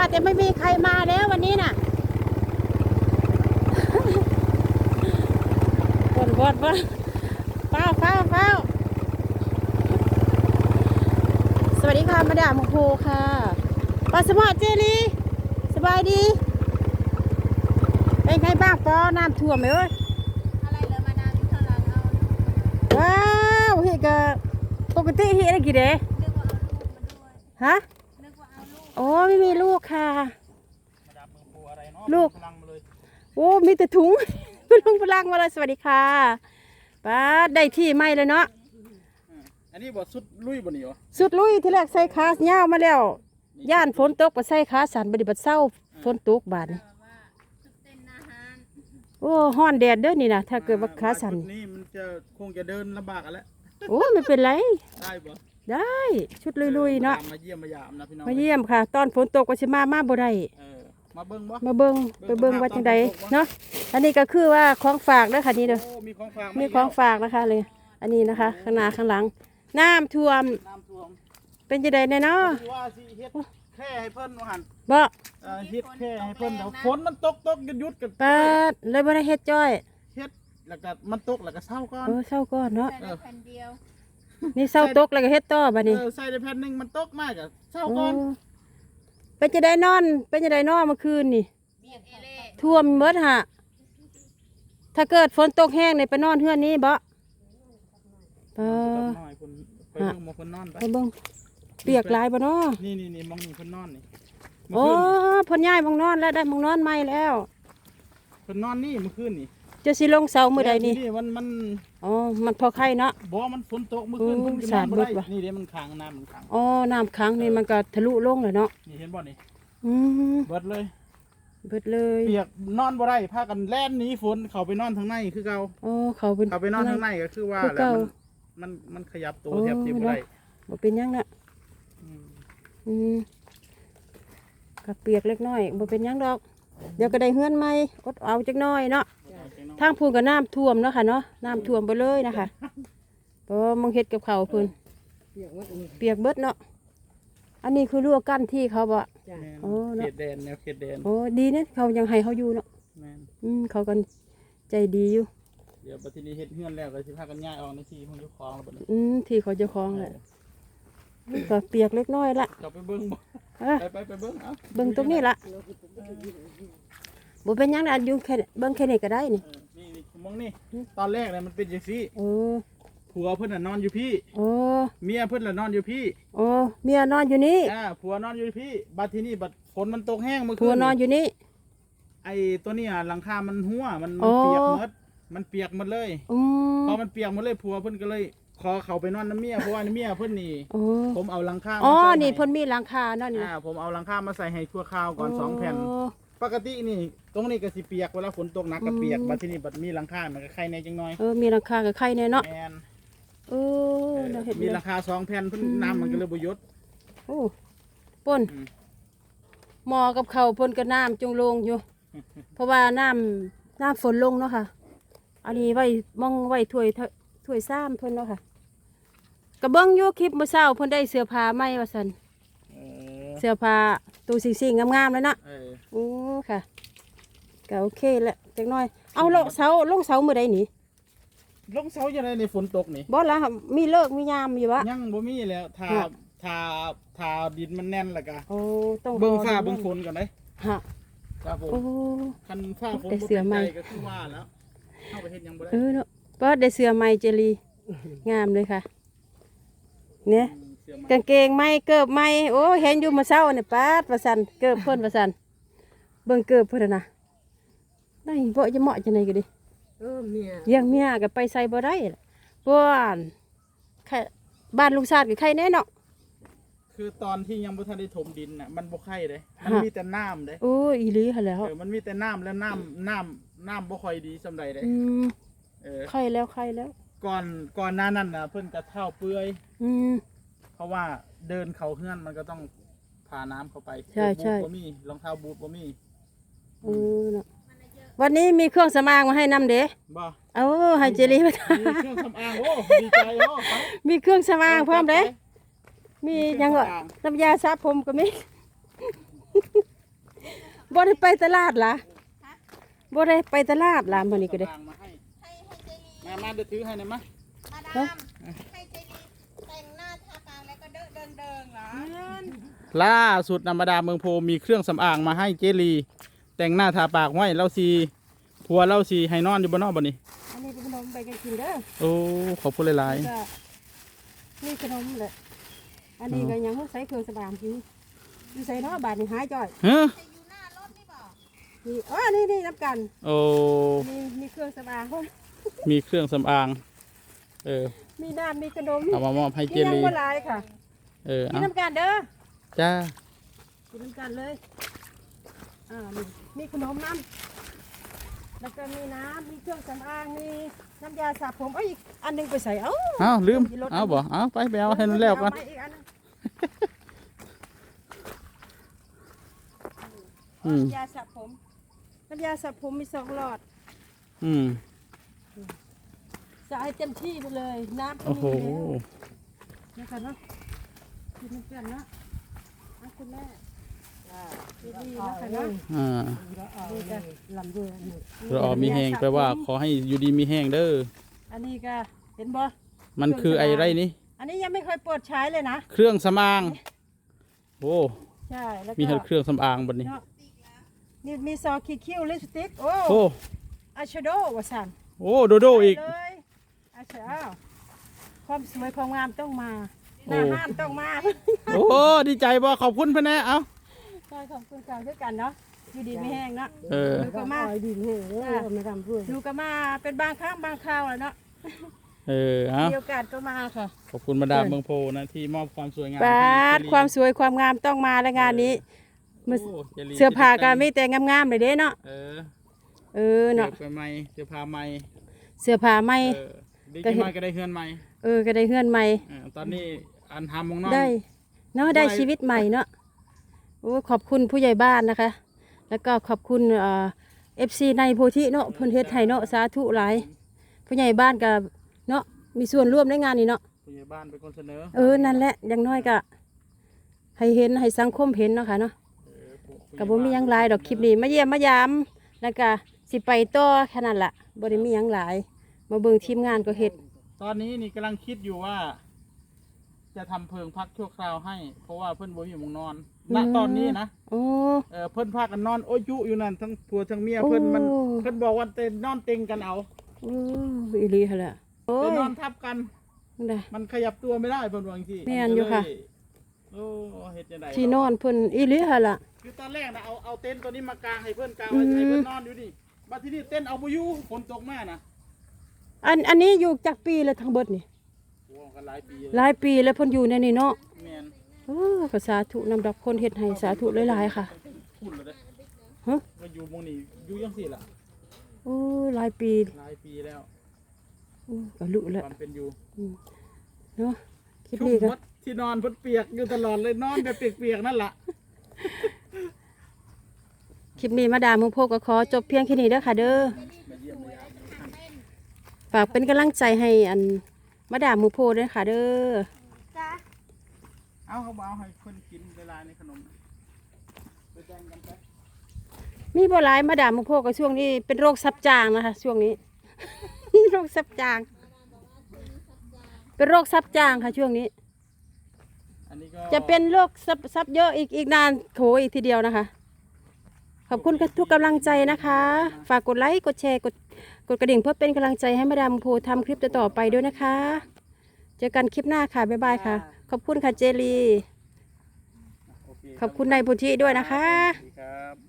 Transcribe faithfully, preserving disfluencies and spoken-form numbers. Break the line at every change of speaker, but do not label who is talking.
แต่ไม่มีใครมาแล้ววันนี้น่ะบนบนบนเฝ้าเฝ้าเฝ้าสวัสดีค่ะมาดามโฮค่ะปาสมอเจลีสบายดีเป็นไงบ้างปอน้ำท่วมไหมเอ้ย
อะไรเลยมาดามที่ข้างหลังเอา
ว้าวเฮกะปกติเฮได้กี่เด้
นึกว่าเอาลูกมาด้วย
ฮะ
นึกว่าเอาลูก
โอ้ไม่มีลูกค่ะ
มาดามเมืองปูอะไรเนาะ
ลูก
พลังมาเลย
โอ้มีแต่ถุงลุงพลังมาเลยสวัสดีค่ะป้าได้ที่ไม่เลยเนาะ
อันนี้บทสุดลุยบนนี้เหรอ
สุดลุยที่แรกใส่ขาเงามาแล้วย่านฝนตกไปใส่ขาสันบไดิบัดเศร้าฝนตกบาดนี่โอ้ฮ้อนแดดเด้อนี่นะถ้าเกิดว่าขาสัน
นี่มันจะคงจะเดินลำบากกันแล้ว
โอ้ไม่เป็นไร
ได้ปะ
ได้ชุดลุยๆเนาะ
มาเยี่ยมมายามนะพี่น้อง
มาเยี่ยมค่ะตอนฝนตกก็สิมามาบ่ได้
มาเบิ้งบ่
มาเบิ้งไปเบิ้งว่าจังใดเนาะอันนี้ก็คือว่าของฝากเด้อค่ะนี่เด้อ
มีของฝาก
มีของฝากนะคะเลยอันนี้นะคะข้างหน้าข้างหลังน้ำท่วม
น้ำท่วม
เป็นจังใดแน่เนาะ
ว่าสิเฮ็ดแค่ให้เพิ่นว่าหั่น
บ่
เฮ็ดแค่ให้เพิ่นเดี๋ยวฝนมันตกตกหยุดกัน
ปาดเลยบ่ได้เฮ็ดจ้อย
เฮ็ดแล้วก็มันตกแล้วก็เศร้าก่อน
เออเศร้าก่อนเนาะ
ใส่ได้แผ่นเดียว
นี่เศร้าตกแล้วก็เฮ็ดต่อบัดนี้
เออใส่ได้แผ่นนึงมันตกมากอ่ะเศร้าก่อน
เป็นจังไดนอนเป็นจังไดนอนเมื่อคืนนี่
เบียดเอเล่
ท่วมหมดฮะถ้าเกิดฝนตกแห้งนี่ไปนอนเฮือนนี้บ่เออ
ไปเบิ่งมองคนนอนไป
ไปเบิ่งเปียกหลายบ่เนาะ
นี่นี่นี่มองนี่คนนอนนี่
โอ้เพิ่นย้ายมองนอนแล้วได้มองนอนใหม่แล้ว
คนนอนนี่เมื่อคืนนี่
จะสิลงเสามื้อใดนี่
มันมัน
อ๋อมันพอไข่เนาะ
บ่มันฝนตกเมื่อคืนเพิ่นก็นอนบ่ได้นี่เด้มันขังน้ำมันขัง
อ๋อน้ำขังนี่มันก็ทะลุลงเลยเนาะ
นี่เห็นบ่นี่
อืม
เบิดเลย
เบิดเลย
เปียกนอนบ่ได้พากันแล่นหนีฝนเข้าไปนอนทางในคือเก่า
อ๋อเขาเป็น
เข้าไปนอนทางในก็คือว่าแล้วมันมันมันขยับตัวแทบจะบ่ได้
บ่เป็นหยังน่ะอืมก็เปียกเล็กน้อยบ่เป็นหยังดอกเดี๋ยวก็ได้เฮือนใหม่อดเอาจักหน่อยเนาะทางพูนก็น้ำท่วมเนาะค่ะเนาะน้ำท่วมไปเลยนะคะเพราะมึงเฮ็ดกับเขาพูนเปียกเบิดเนาะอันนี้คือรั้วกั้นที่เขาบ่
โอ้เขตแดนแนวเขตแดน
โอ้ดีเนี่ยเขายังให้เขาอยู่เนาะอืมเขากันใจดีอยู่
เดี๋ยวบัดนี้เฮ็ดเฮือนแล้วก็สิพากันย้ายออกในที่ของเจ้าของแล้วบัดนี้
อืมที่เขาเจ้าของแหละก็เปียกเล็กน้อยละ
จะไปเบิ่งบ่ไปไปไปเบิ่งเอา
เบิ่งตรงนี้ละบ่เป็นหยังนะอยู่แค่เบิ่งแค่นี้ก็ได้นี่
นี่มองนี่ตอนแรกเนี่ยมันเป็นจังซี่
โอ้
ผัวเพิ่นน่ะนอนอยู่พี่
โอ้
เมียเพิ่นน่ะนอนอยู่พี่
โอ้เมียนอนอยู่นี่
อ่าผัวนอนอยู่พี่บัดทีนี้บัดฝนมันตกแห้งเมื่อคืน
ผัวนอนอยู่นี่
ไอ้ตัวนี้หลังคามันหัวมันเปียกหมดมันเปียกหมดเลยพอมันเปียกหมดเลยผัวเพิ่นก็เลยขอเขาไปนอนน้ำเมียเพราะว่าน้ำเมียเพิ่นนี่ผมเอาหลังคา
อ๋อนี่เพิ่นมีหลังคาเนาะนี่
อ่าผมเอาหลังคามาใส่ให้ชั่วคราวก่อนสองแผ่นปกตินี่ตรงนี้ก็สิเปียกเวลาฝนตกหนักก็เปียกบัดทีนี้บัดมีหลังคามันก็ไข่ในจังน้อย
เออมีหลังคากับไข่ในเนาะเออ
มีหลังคาสองแผ่นเพิ่นน้ำมันก็เลยบ่หยุด
โอ้ป่นหม้อกับข้าวเพิ่นก็น้ำจงลงอยู่เพราะว่าน้ำน้ำฝนลงเนาะค่ะอันนี้ไว้มองไว้ถ้วยถ้วยซ้ำเพิ่นเนาะค่ะกระเบื้องยูคลิปเมื่อเช้าเพิ่นได้เสื้อผ้าใหม่ว่าซั่นเสื้อผ้าตัวสิ่งๆงามๆเลยเนาะโอ้ค่ะก็โอเคแหละจักหน่อยเอาลงเสาลงเสามื้อใดนี่
ลงเสาจังได๋ในฝนตกนี่
บ่ล่ะมีเลิกมียามอยู่วะ
ยังบ่มีแล้วถ้าถ้าถ้าดินมันแน่นแล้วก็
โอ้ต้อง
เบิ่งฟ้าเบิ่งฝนก่อนเด้
ฮะ
ครับผม
โอ้
คันฟ้าฝนบ่เป็นใจก็คือว่าแล้วเฮาไปเฮ็ดหยังบ่ได้
เออเนาะเปิดได้เสื้อใหม่เจลีงามเลยค่ะเนี่ยกางเกงไหมเกิบไหมโอ้เห็นอยู่มาเช้าเนี่ยป้าดประสันเกิบเพิ่นประสันเบิ่งเกิบเพิ่นนะได้บ่จะเหมาะจังได๋ก็ดิ
เออเมีย
ยังเมียก็ไปใส่บ่ได้บ้านแค่บ้านลุงชาติก็ใครแน่เนาะ
คือตอนที่ยังบ่ทันได้ถมดินน่ะมันบ่ไข่เด้มันมีแต่น้ำเด้
โอ้อีหลีหั่นแล้ว
เออมันมีแต่น้ำแล้วน้ำน้ำน้ำบ่ค่อยดีส่ำใดเด้
อืม
เออ
ไข่แล้วไข่แล้ว
ก่อนก่อนหน้านั้นน่ะเพิ่นก็เฒ่าเปื่อย
อืม
เพราะว่าเดินเข้าเฮือนมันก็ต้องพาน้ำเข้าไป
ใช่ใช่
บ่มีรองเท้าบูทบ่มี
เออเนาะวันนี้มีเครื่องสำอางมาให้นำเด้
บ่
เอาให้เจลีมา
มีเครื่องสำอางโอ้ดีใจโอ้
มีเครื่องสำอางพร้อมเด้มียังว่าน้ำยาสระผมก็มีบ่ได้ไปตลาดล่ะบ่ได้ไปตลาดล่ะมื้อนี้ก็ได้
มาให้
ให้ให้เจลี
มามาเดี๋ยวถือให้หน่อยมะ
มาดามให้เจลีแต่งหน้าทาปากแล้วก็เดินเดินเดินเหรอ
ล่าสุดนำมาดามเมืองโพมีเครื่องสำอางมาให้เจลี แต่งหน้าทาปากไว้เล่าซีผัวเล่าซีให้นอนอยู่บนนอกบ่นี้
อันนี้เป็นขนมไปกันกินเด้อ
โอ้ขอบคุณหลาย
ก็นี่ขนมแหละอันนี้ก็ยังใส่เครื่องสำอางกินอยู่ใส่เนาะบาดนี่หายจ่อย
ๆเฮ้อ
จะอยู่หน้ารถนี่บอก
นี่อ๋อนี่นี่น้ำกัน
โอ้
มีมีเครื่องสำอางพร้อม
มีเครื่องสำอางเออ
มีน้ำมีขนม
เอามามอบให้เจ
นี่ยัง
ลี
บ่หลายค่ะ
เออ
กิน
เอา
น้ำกันเด้อ
จ้า
กินน้ำกันเลยอ่านี่มีขนมน้ำแล้วก็มีน้ำมีเครื่องสำอางมีน้ำยาสระผมเอ้ยอีกอันหนึงไปใส่เอ้า
เอาลืมเอาบ่เอาไปไปเอาให้มันแล้วกัน
เอาไปอีกอันหนึ่ง
อืม
น้ำยาสระผม น้ำยาสระผมมีสองหลอด
อืม
สระให้เต็มที่ไปเลย น้ำก็
โอ้โห
มีแล้วนะคะเนาะกินน้ำกันเนาะเอาคุณแม่ดีๆนะคะเนาะ
อ่า
ดีจ้ะลำด้วย
เราออมีแห้งแปลว่าขอให้อยู่ดีมีแห้งเด้อ
อันนี้ก็เห็นบ่
มันคือไอ้ไรนี่
อันนี้ยังไม่เคยเปิดใช้เลยนะ
เครื่องสำอางโอ้
ใช่แล้วก็
มีเครื่องสำอางบนนี้
เนาะนี่มีซอสขีดคิ้วลิปสติกโอ้
โอ้
อายแชโดว์ว่าสัน
โอ้โดโดอีก
ไปเลยอายแชโดว์ความสวยความงามต้องมาห
โอ้
น้าห้านต้องมา
โอ้ดีใจบ่ขอบคุณพ่อแน่เอา
ใช่ขอบคุณกันด้วยกันเนาะอยู่ดีไม่แห้งเนาะ
เออ
ดูก็มาดีแห้งไม่ทำเพื่อดูก็มาเป็นบางครั้งบางคราวแหละเนาะ
เออเอา
มีโอกาสก็มาค่ะ
ขอบคุณมาดามเมืองโพนะที่มอบความสวยงาม
บาด
ให้
ความสวยความงามต้องมาและงานนี้
โอ้จลี
เสื้อผ้าก็มีแต่งามๆเลยเด้เนาะ
เออ
เออเนาะ
เสื้อผ้าใหม่เสื้อผ้าใหม่
เสื้อผ้าใหม่
เออดีจังมาก็ได้เฮือนใหม่
เออก็ได้เฮือนใหม่
เออตอนนี้อันทำมองนอน
ได้เนาะได้ชีวิตใหม่เนาะโอ้ขอบคุณผู้ใหญ่บ้านนะคะ แล้วก็ขอบคุณเอ่อฟซีในโพธิเนาะเพิ่นเฮ็ดให้เนาะสาธุหลายผู้ใหญ่บ้านก็เนาะมีส่วนร่วมในงานนี้เนาะ
ผู้ใหญ่บ้านเป็นคนเสนอ
เออนั่นแหละอย่างน้อยก็ให้เห็นให้สังคมเห็นเนาะค่ะเนาะ
เออผู้ผู้ใหญ่
ก็บ่มีหยังหลายดอกคลิปนี้มาเยี่ยมมายามแล้วก็สิไปต่อแค่นั้นล่ะบ่ได้มีหยังหลายมาเบิ่งทีมงานก็เฮ็ด
ตอนนี้นี่กำลังคิดอยู่ว่า จะทำเพิงพักชั่วคราวให้ เพราะว่าเพื่อนบ่มีหมุงนอนณตอนนี้นะ
โอ้
เออเพื่อนพากันนอนโอ้ยยุอยู่นั่นทั้งผัวทั้งเมียเพื่อนมัน
โอ้
เพื่อนบอกว่าเต้นนอนเต็งกันเอา
โอ้อีหลีหั่นล่ะโอ้
เต้น
ย
นอนทับกัน
ได้
มันขยับตัวไม่ได้เพื่อนว่าจริงๆ
แม่นอยู่ค่ะ
โอ้เฮ็ดจังได
ที่นอนเพิ่นอีหลีหั่นล่ะ
คือตอนแรกนะเอาเอาเต็นท์ตัวนี้มากางให้เพื่อนกางไว้ให้เพื่อนนอนอยู่นี่บัดทีนี้เต็นท์เอาบ่อยู่ฝนตกมานะ
อันอันนี้อยู่จากปีแล้วทั้งเบิดนี่
โอ้กันหลายปีเลย
หลายปีแล้วเพิ่นอยู่ในนี่เนาะ
แม่น
เออก็สาธุนำดอกคนเฮ็ดให้สาธุหลายๆค่ะ
พูดเลยเด้
ฮะ
มาอยู่หมู่นี้อยู่จังซี่ล่ะ
โอ้หลายปี
หลายปีแล้ว
โอ้ก็ลุแล้ว
ความเป็นอยู่
เนาะคลิป
ชุ่ม
นี้ก็
หมดที่นอนเพิ่นเปียกอยู่ตลอดเลยนอนแบบเปียกๆนั่นล่ะ
คลิปนี้มาดามมุงโพก็ขอจบเพียงแค่นี้เด้อค่ะเด้อฝากเป็นกำลังใจให้อันมาดามมุงโพด้วยค่ะเด้อ
จ้า
เอาเขาบ่เอาให้เพิ่นกินเวลาในขนมไปแบ่งกันไป
มีบ่หลายมาดามมุงโพก็ช่วงนี้เป็นโรคซับจางนะคะ ช่วงนี้ โรคซับจาง เป็นโรคซับจางค่ะช่วงนี้
อันนี้ก็
จะเป็นโรคซับซับเยอะอีกอีกนานโถอีกทีเดียวนะคะ ขอบคุณทุกกำลังใจนะคะ ฝากกดไลค์กดแชร์กดกดกระดิ่งเพื่อเป็นกำลังใจให้มาดามโพทำคลิปต่อๆไปด้วยนะคะ เจอกันคลิปหน้าค่ะ บ๊ายบายค่ะ ขอบคุณค่ะเจลี
โอเค
ขอบคุณนายพุทธิด้วยนะคะ
สวัสดีครับ